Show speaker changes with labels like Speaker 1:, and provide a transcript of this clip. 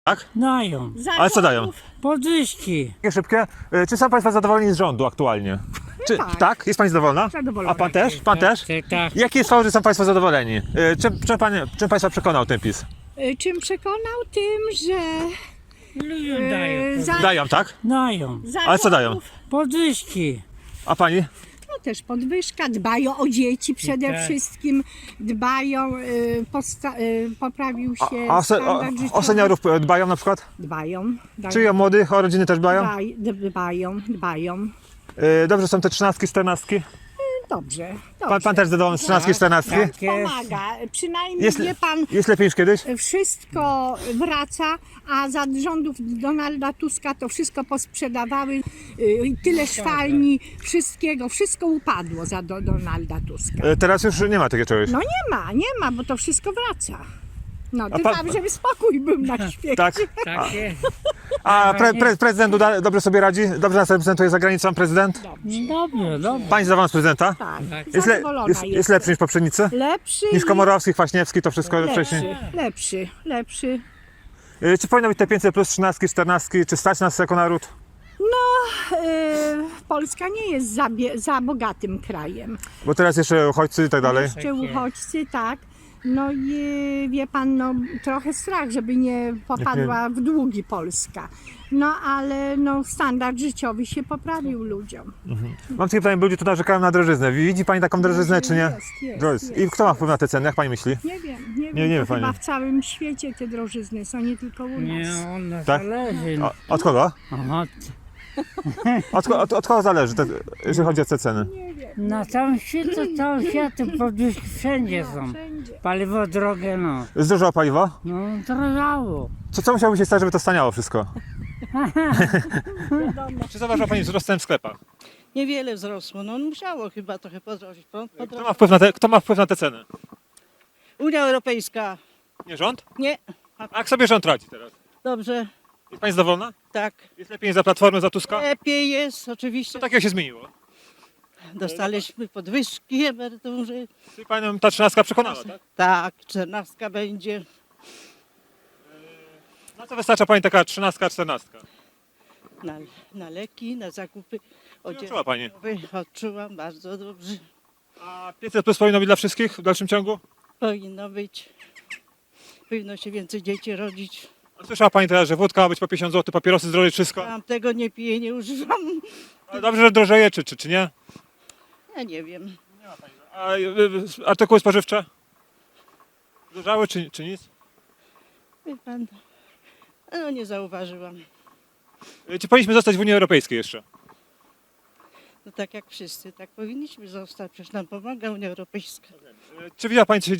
Speaker 1: Tak?
Speaker 2: Dają.
Speaker 1: Ale co dają?
Speaker 2: Podwyżki.
Speaker 1: Takie szybkie. Czy są Państwo zadowoleni z rządu aktualnie? Czy, tak. Jest Pani zadowolona?
Speaker 3: Zadowolona.
Speaker 1: A Pan też? Pan też?
Speaker 2: Tak.
Speaker 1: Jaki jest fakt, że są Państwo zadowoleni? Czym Państwa przekonał ten PiS?
Speaker 3: Czym przekonał? Tym, że
Speaker 2: Ludziom dają.
Speaker 1: Dają, tak?
Speaker 2: Dają.
Speaker 1: Ale co dają?
Speaker 2: Podwyżki.
Speaker 1: A Pani?
Speaker 3: No też podwyżka, dbają o dzieci przede
Speaker 2: Tak.
Speaker 3: wszystkim, dbają, poprawił się
Speaker 1: A
Speaker 3: standard życiowy.
Speaker 1: o seniorów dbają na przykład?
Speaker 3: Dbają.
Speaker 1: Czy o młodych, o rodziny też dbają?
Speaker 3: Dbają.
Speaker 1: Dobrze są te 13, 14?
Speaker 3: Dobrze.
Speaker 1: Pan też zadowolony z 13, 14?
Speaker 2: Tak jest.
Speaker 3: Pomaga. Przynajmniej
Speaker 1: Jest,
Speaker 3: wie pan,
Speaker 1: jest lepiej niż kiedyś?
Speaker 3: wszystko wraca, a za rządów Donalda Tuska to wszystko posprzedawały, tyle szwalni, wszystko upadło za Donalda Tuska.
Speaker 1: Teraz już nie ma takiego czegoś.
Speaker 3: No nie ma, bo to wszystko wraca. No,
Speaker 1: A
Speaker 3: tylko
Speaker 1: pan-
Speaker 3: żeby spokój był na świecie.
Speaker 1: Tak?
Speaker 2: Tak jest.
Speaker 1: A prezydent Duda dobrze sobie radzi? Dobrze nas reprezentuje za granicą prezydent?
Speaker 2: Dobrze, dobrze.
Speaker 1: Pani zadowolona z prezydenta?
Speaker 3: Tak,
Speaker 1: Jest,
Speaker 3: zadowolona
Speaker 1: jest
Speaker 3: jestem.
Speaker 1: lepszy niż poprzednicy?
Speaker 3: Lepszy
Speaker 1: Niż
Speaker 3: i
Speaker 1: Komorowski, Kwaśniewski, to wszystko wcześniej.
Speaker 3: lepszy.
Speaker 1: Czy powinno być te 500 plus 13, 14? Czy stać nas jako naród?
Speaker 3: Polska nie jest za bogatym krajem.
Speaker 1: Bo teraz jeszcze uchodźcy i tak dalej.
Speaker 3: Jeszcze uchodźcy, tak. No i wie pan, no trochę strach, żeby nie popadła w długi Polska. No ale no, standard życiowy się poprawił ludziom.
Speaker 1: Mam takie pytanie, bo ludzie tu narzekają na drożyznę. Widzi Pani taką drożyznę, czy nie?
Speaker 3: Jest.
Speaker 1: I kto ma wpływ na te ceny, jak Pani myśli?
Speaker 3: Nie wiem,
Speaker 1: Nie wie
Speaker 3: to
Speaker 1: pani.
Speaker 3: chyba w całym świecie te drożyzny są, nie tylko u nas.
Speaker 2: Nie, on nas
Speaker 1: Tak?
Speaker 2: zależy.
Speaker 1: Od kogo?
Speaker 2: Aha,
Speaker 1: Od kogo zależy, jeżeli chodzi o te ceny?
Speaker 2: na całym świecie, całym światem podwyżki wszędzie są.
Speaker 3: Wszędzie.
Speaker 2: Paliwo drogie, no.
Speaker 1: Zdrożało paliwo?
Speaker 2: No, drożało.
Speaker 1: Co musiałoby się stać, żeby to staniało wszystko? Czy zauważyła Pani wzrost cen w sklepach?
Speaker 4: Niewiele wzrosło, no musiało chyba trochę podrożyć.
Speaker 1: Kto ma wpływ na te ceny?
Speaker 4: Unia Europejska,
Speaker 1: Nie rząd?
Speaker 4: nie,
Speaker 1: A jak sobie rząd radzi teraz?
Speaker 4: dobrze,
Speaker 1: Jest Pani zadowolona?
Speaker 4: tak,
Speaker 1: Jest lepiej niż za Platformy, za Tuska?
Speaker 4: lepiej jest,
Speaker 1: Co
Speaker 4: oczywiście.
Speaker 1: takiego się zmieniło?
Speaker 4: Dostaliśmy podwyżki emerytury,
Speaker 1: Czyli Panią ta 13 przekonała, tak?
Speaker 4: tak, 14 będzie,
Speaker 1: Na co wystarcza Pani taka 13, 14?
Speaker 4: na leki, na zakupy
Speaker 1: Odczuła Pani?
Speaker 4: Odczułam bardzo dobrze,
Speaker 1: A 500 plus powinno być dla wszystkich w dalszym ciągu?
Speaker 4: powinno być, powinno się więcej dzieci rodzić.
Speaker 1: A słyszała Pani teraz, że wódka ma być po 50 zł, papierosy zdrowie, wszystko?
Speaker 4: Tam tego nie piję, nie używam,
Speaker 1: Ale dobrze, że drożeje, czy nie?
Speaker 4: ja nie wiem.
Speaker 1: A artykuły spożywcze? Zdrożały, czy nic?
Speaker 4: Wie pan, no nie zauważyłam.
Speaker 1: Czy powinniśmy zostać w Unii Europejskiej jeszcze?
Speaker 4: No tak jak wszyscy, tak powinniśmy zostać, przecież nam pomaga Unia Europejska.
Speaker 1: Czy widziała Pani, co się